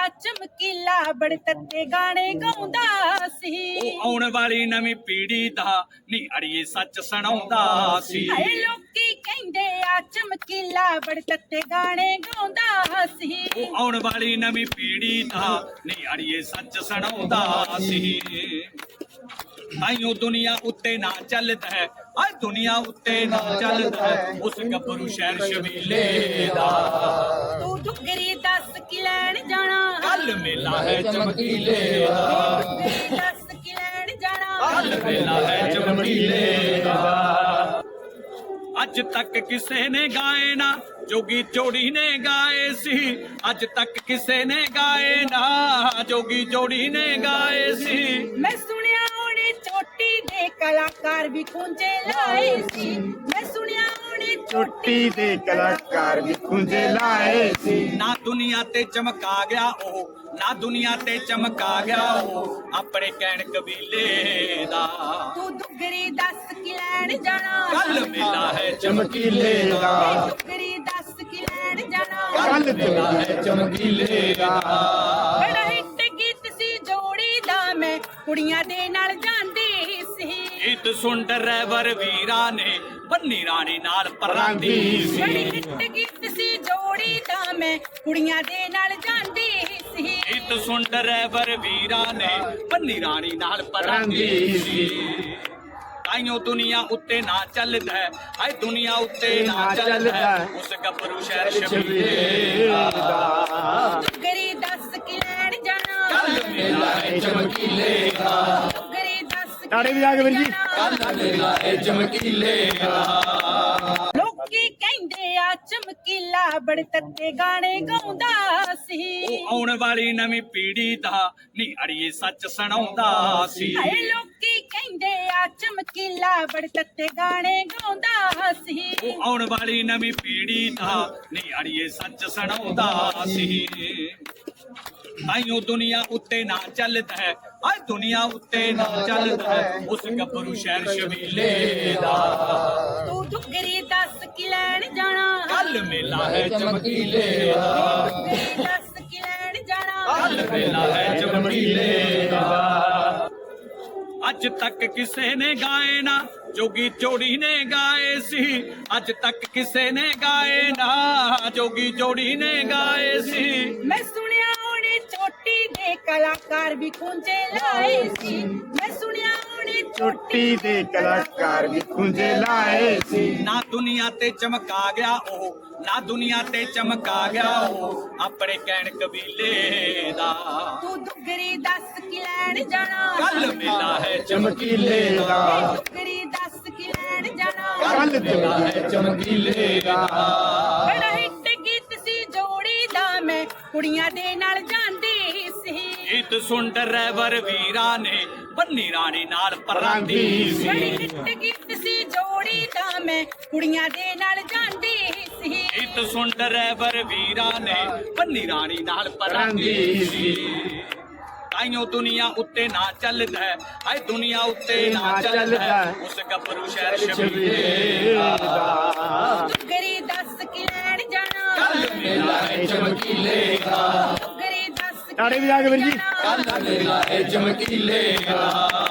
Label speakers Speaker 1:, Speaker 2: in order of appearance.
Speaker 1: ਚਮਕੀਲਾ ਬੜੇ ਤੱਤੇ ਗਾਣੇ ਗਾਉਂਦਾ ਸੀ।
Speaker 2: ਉਹ ਆਉਣ ਵਾਲੀ ਨਵੀਂ ਪੀੜ੍ਹੀ ਦਾ ਨੀ ਅੜੀਏ ਸੱਚ ਸੁਣਾਉਂਦਾ ਸੀ।
Speaker 1: ਹਾਏ ਲੋਕੀ ਕਹਿੰਦੇ ਆ ਚਮਕੀਲਾ ਬੜੇ ਤੱਤੇ ਗਾਣੇ ਗਾਉਂਦਾ ਸੀ।
Speaker 2: ਉਹ ਆਉਣ ਵਾਲੀ ਨਵੀਂ ਪੀੜ੍ਹੀ ਦਾ ਨੀ ਅੜੀਏ ਸੱਚ ਸੁਣਾਉਂਦਾ ਸੀ। ਤਾਈਓ ਦੁਨੀਆ ਉੱਤੇ ਨਾ ਚੱਲਦਾ ਹੈ, ਅੱਜ ਦੁਨੀਆ ਉੱਤੇ ਨਾ ਚੱਲਦਾ ਹੈ ਉਸ ਗੱਭਰੂ ਸ਼ਹਿਰ ਸ਼ਬੀਲੇ ਦਾ।
Speaker 1: ਤੂੰ ਦੁੱਗਰੀ ਦੱਸ ਕੀ ਲੈਣ ਜਾਣਾ,
Speaker 2: ਕੱਲ ਮੇਲਾ ਹੈ ਚਮਕੀਲੇ ਦਾ।
Speaker 1: ਦੁੱਗਰੀ ਦੱਸ ਕੀ ਲੈਣ ਜਾਣਾ,
Speaker 2: ਕੱਲ ਮੇਲਾ ਹੈ ਚਮਕੀਲੇ ਦਾ। ਅੱਜ ਤੱਕ ਕਿਸੇ ਨੇ ਗਾਏ ਨਾ ਜੋਗੀ ਜੋੜੀ ਨੇ ਗਾਏ ਸੀ। ਅੱਜ ਤੱਕ ਕਿਸੇ ਨੇ ਗਾਏ ਨਾ ਜੋਗੀ ਜੋੜੀ ਨੇ ਗਾਏ ਸੀ।
Speaker 1: ਮੈਂ ਸੁਣਿਆ ਉਹਨੇ ਚੋਟੀ ਦੇ ਕਲਾਕਾਰ ਵੀ ਖੁੰਝੇ ਲਾਏ ਸੀ। ਮੈਂ ਸੁਣਿਆ ਉਹਨੇ
Speaker 3: ਚੋਟੀ ਦੇ ਕਲਾਕਾਰ ਵੀ ਖੁੰਝੇ ਲਾਏ ਸੀ।
Speaker 2: ਨਾ ਦੁਨੀਆ ਤੇ ਚਮਕਾ ਗਿਆ ਉਹ, ਨਾ ਦੁਨੀਆ ਤੇ ਚਮਕਾ ਗਿਆ ਉਹ ਆਪਣੇ ਕਹਿਣ ਕਬੀਲੇ ਦਾ।
Speaker 1: ਤੂੰ ਦੁੱਗਰੀ ਦੱਸ ਕੀ ਲੈਣ ਜਾਣਾ,
Speaker 2: ਕੱਲ ਮੇਲਾ ਹੈ
Speaker 3: ਚਮਕੀਲੇ ਦਾ।
Speaker 1: ਦੁੱਗਰੀ ਦੱਸ ਕੀ ਲੈਣ ਜਾਣਾ,
Speaker 3: ਕੱਲ ਮੇਲਾ ਹੈ ਚਮਕੀਲੇ ਦਾ।
Speaker 1: ਬੜਾ ਹਿੱਟ ਗੀਤ ਸੀ ਜੋੜੀ ਦਾ, ਮੈਂ ਕੁੜੀਆਂ ਦੇ ਨਾਲ ਜਾਂਦੀ ਸੀ।
Speaker 2: ਗੀਤ ਸੁਣ ਡਰੈਵਰ ਵੀਰਾਂ ਨੇ ਬੰਨੀ ਰਾਣੀ ਨਾਲ ਪਰਾਂਦੀ
Speaker 1: ਬੜੀ
Speaker 2: ਸੀ।
Speaker 1: ਹਿੱਟ ਗੀਤ ਸੀ ਜੋੜੀ ਦਾ, ਮੈਂ ਕੁੜੀਆਂ ਦੇ ਨਾਲ ਜਾਂਦੀ ਸੀ।
Speaker 2: ਗੀਤ ਸੁਣ ਡਰੈਵਰ ਵੀਰਾਂ ਨੇ ਬੰਨੀ ਰਾਣੀ ਨਾਲ ਪਰਾਂਦੀ ਸੀ। ਤਾਈਓ ਦੁਨੀਆ ਉੱਤੇ ਨਾ ਚੱਲਦਾ ਹੈ, ਹਾਏ ਦੁਨੀਆ ਉੱਤੇ ਨਾ ਚੱਲਦਾ ਹੈ ਉਸ ਗੱਭਰੂ ਸ਼ਹਿਰ ਸ਼ਬੀਲੇ ਦਾ।
Speaker 1: ਦੁੱਗਰੀ ਦੱਸ ਕੀ ਲੈਣ ਜਾਣਾ,
Speaker 2: ਕੱਲ ਮੇਲਾ ਹੈ ਚਮਕੀਲੇ ਦਾ।
Speaker 1: ਦੁੱਗਰੀ ਦੱਸ
Speaker 3: ਤਾੜੀ ਵਜਾ ਕੇ ਵੀਰ ਜੀ।
Speaker 2: ਕੱਲ ਮੇਲਾ ਹੈ ਚਮਕੀਲੇ ਦਾ।
Speaker 1: ਲੋਕੀ ਕਹਿੰਦੇ ਆ ਚਮਕੀਲਾ ਬੜੇ ਤੱਤੇ ਗਾਣੇ ਗਾਉਂਦਾ ਸੀ।
Speaker 2: ਉਹ ਆਉਣ ਵਾਲੀ ਨਵੀਂ ਪੀੜ੍ਹੀ ਦਾ ਨੀ ਅੜੀਏ ਸੱਚ ਸੁਣਾਉਂਦਾ ਸੀ।
Speaker 1: ਹਾਏ ਲੋਕੀ ਕਹਿੰਦੇ ਆ ਚਮਕੀਲਾ ਬੜੇ ਤੱਤੇ ਗਾਣੇ ਗਾਉਂਦਾ ਸੀ।
Speaker 2: ਉਹ ਆਉਣ ਵਾਲੀ ਨਵੀਂ ਪੀੜ੍ਹੀ ਦਾ ਨੀ ਅੜੀਏ ਸੱਚ ਸੁਣਾਉਂਦਾ ਸੀ। ਤਾਈਓ ਦੁਨੀਆ ਉੱਤੇ ਨਾ ਚੱਲਦਾ ਹੈ, ਅੱਜ ਦੁਨੀਆ ਉੱਤੇ ਨਾ ਚੱਲਦਾ ਹੈ ਉਸ ਗੱਭਰੂ ਸ਼ਹਿਰ ਸ਼ਬੀਲੇ ਦਾ।
Speaker 1: ਤੂੰ ਦੁੱਗਰੀ ਦੱਸ ਕੀ ਲੈਣ ਜਾਣਾ,
Speaker 2: ਕੱਲ ਮੇਲਾ ਹੈ ਚਮਕੀਲੇ ਦਾ।
Speaker 1: ਦੁੱਗਰੀ ਦੱਸ ਕੀ ਲੈਣ ਜਾਣਾ,
Speaker 2: ਕੱਲ ਮੇਲਾ ਹੈ ਚਮਕੀਲੇ ਦਾ। ਅੱਜ ਤੱਕ ਕਿਸੇ ਨੇ ਗਾਏ ਨਾ ਜੋਗੀ ਜੋੜੀ ਨੇ ਗਾਏ ਸੀ। ਅੱਜ ਤੱਕ ਕਿਸੇ ਨੇ ਗਾਏ ਨਾ ਜੋਗੀ ਜੋੜੀ ਨੇ ਗਾਏ ਸੀ।
Speaker 1: ਮੈਂ ਸੁਣਿਆ ਉਹਨੇ ਚੋਟੀ ਦੇ ਕਲਾਕਾਰ ਵੀ ਖੁੰਝੇ ਲਾਏ ਸੀ। ਮੈਂ ਸੁਣਿਆ ਉਹਨੇ
Speaker 3: ਚੋਟੀ ਦੇ ਕਲਾਕਾਰ ਵੀ ਖੁੰਝੇ ਲਾਏ ਸੀ।
Speaker 2: ਨਾ ਦੁਨੀਆ ਤੇ ਚਮਕਾ ਗਿਆ ਉਹ, ਨਾ ਦੁਨੀਆ ਤੇ ਚਮਕਾ ਗਿਆ ਉਹ ਆਪਣੇ ਕਹਿਣ ਕਬੀਲੇ ਦਾ।
Speaker 1: ਤੂੰ ਦੁੱਗਰੀ ਦੱਸ ਕੀ ਲੈਣ ਜਾਣਾ,
Speaker 2: ਕੱਲ ਮੇਲਾ ਹੈ
Speaker 3: ਚਮਕੀਲੇ ਦਾ।
Speaker 1: ਦੁੱਗਰੀ ਦੱਸ ਕੀ ਲੈਣ ਜਾਣਾ,
Speaker 3: ਕੱਲ ਮੇਲਾ ਹੈ ਚਮਕੀਲੇ ਦਾ।
Speaker 1: ਬੜਾ ਹਿੱਟ ਗੀਤ ਸੀ ਜੋੜੀ ਦਾ, ਮੈਂ ਕੁੜੀਆਂ ਦੇ ਨਾਲ ਜਾਂਦੀ ਸੀ।
Speaker 2: ਗੀਤ ਸੁਣ ਡਰੈਵਰ ਵੀਰਾਂ ਨੇ ਬੰਨੀ ਰਾਣੀ ਨਾਲ ਪਰਾਂਦੀ
Speaker 1: ਬੜੀ
Speaker 2: ਸੀ।
Speaker 1: ਹਿੱਟ ਗੀਤ ਸੀ ਜੋੜੀ ਦਾ, ਮੈਂ ਕੁੜੀਆਂ ਦੇ ਨਾਲ ਜਾਂਦੀ ਸੀ।
Speaker 2: ਗੀਤ ਸੁਣ ਡਰੈਵਰ ਵੀਰਾਂ ਨੇ ਬੰਨੀ ਰਾਣੀ ਨਾਲ ਪਰਾਂਦੀ ਸੀ। ਤਾਈਓ ਦੁਨੀਆ ਉੱਤੇ ਨਾ ਚੱਲਦਾ ਹੈ, ਹਾਏ ਦੁਨੀਆ ਉੱਤੇ ਨਾ ਚੱਲਦਾ ਹੈ ਉਸ ਗੱਭਰੂ ਸ਼ਹਿਰ ਸ਼ਬੀਲੇ ਦਾ।
Speaker 1: ਦੁੱਗਰੀ ਦੱਸ ਕੀ ਲੈਣ ਜਾਣਾ,
Speaker 2: ਕੱਲ ਮੇਲਾ ਹੈ ਚਮਕੀਲੇ ਦਾ।
Speaker 1: ਦੁੱਗਰੀ ਦੱਸ ਕੀ
Speaker 3: ਤਾੜੀ ਵਜਾ ਕੇ ਵੀਰ ਜੀ।
Speaker 1: ਲੈਣ ਜਾਣਾ,
Speaker 2: ਕੱਲ ਮੇਲਾ ਹੈ ਚਮਕੀਲੇ ਦਾ।